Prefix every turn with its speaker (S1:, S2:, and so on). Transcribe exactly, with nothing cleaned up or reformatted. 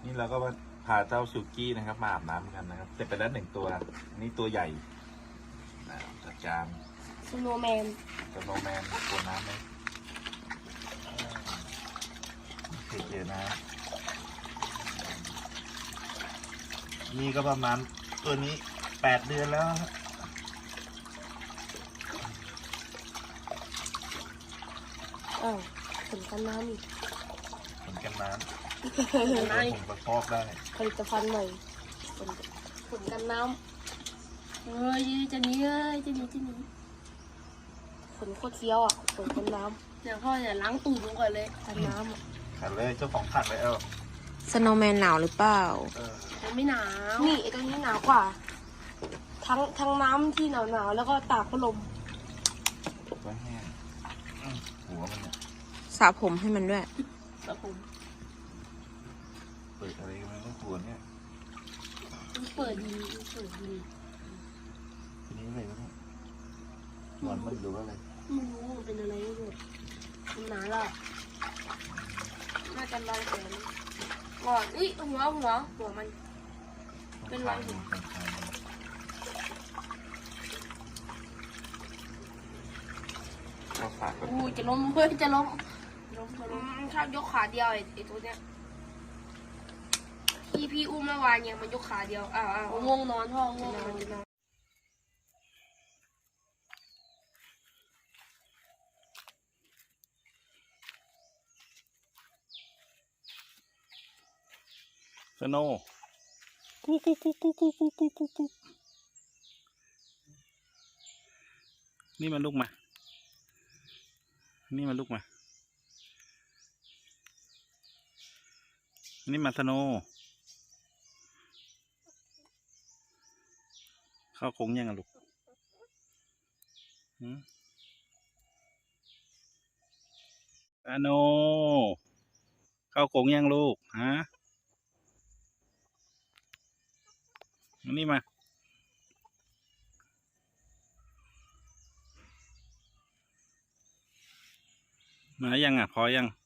S1: นี่เราก็มาพาเจ้าซูกี้นะครับมาอาบน้ำกันนะครับเสร็จไปแล้วหนึ่งตัวนี่ตัวใหญ่จัดการ
S2: สโนว์แมน
S1: สโนว์แมนตัวน้ำไหมโอเคนะนี่ก็ประมาณตัวนี้แปดเดือนแล้ว
S2: อ้าวผลกันน้ำอีก
S1: ผลกันน้ำผลประกอบได้
S2: ผลิตภัณฑ์ใหม่ผลผลกันน้ำเฮ้ยจะหนีเอ้ยจะหนีจะหนีผลโคตรเคี้ยวอ่ะผลกันน้ำเดี๋ยวพ่ออย่าล้างตูดลงก่อนเลยกันน้ำอ่ะ
S1: ขันเลยเจ้าของขันเลยเออ
S3: สโนว์แมนหนาวหรือเปล่า
S2: มันไม่หนาวนี่ไอ้ตรงนี้หนาวกว่าทั้งทั้งน้ำที่หนาวหนาวแล้วก็ตากพัดลม
S1: ก็แห้งหัวมันเนี่ย
S3: สระผมให้มันด้วย
S2: สระผม
S1: เปิดอะไรมันก็หัวเนี่ย
S2: มันเปิดดีเปิดดี
S1: ทีนี้อะไรวะเนี่ยหนอนมันหรือว่าอะไร
S2: ไม่รู้มันเป็นอะไรไม่รู้มันหนาละน่าจะลอยแขนก่อนอุ้ยหัวหัวหัวมันเป็นรอยหัวอู้จะล้มเพื่อจะล้มล้มจะล้มชอบยกขาเดียวไอ้ไอ้ตัวเนี้ยพี่พี่อุ้มเมื่อวานยังมันยกขาเดียวอ้าวอ้าวง่วงนอนพ่อง่วงนอนจะนอน
S1: สโนกุ๊กกุ๊กกุ๊กกุ๊กกุ๊กกุ๊กกุ๊กกุ๊กกุ๊กนี่มันลูกมานี่มันลูกมานี่มาสโนเข้าโค้งยังอะลูกสโนเข้าโค้งยังลูกฮะนี่มามายังอ่ะพอยัง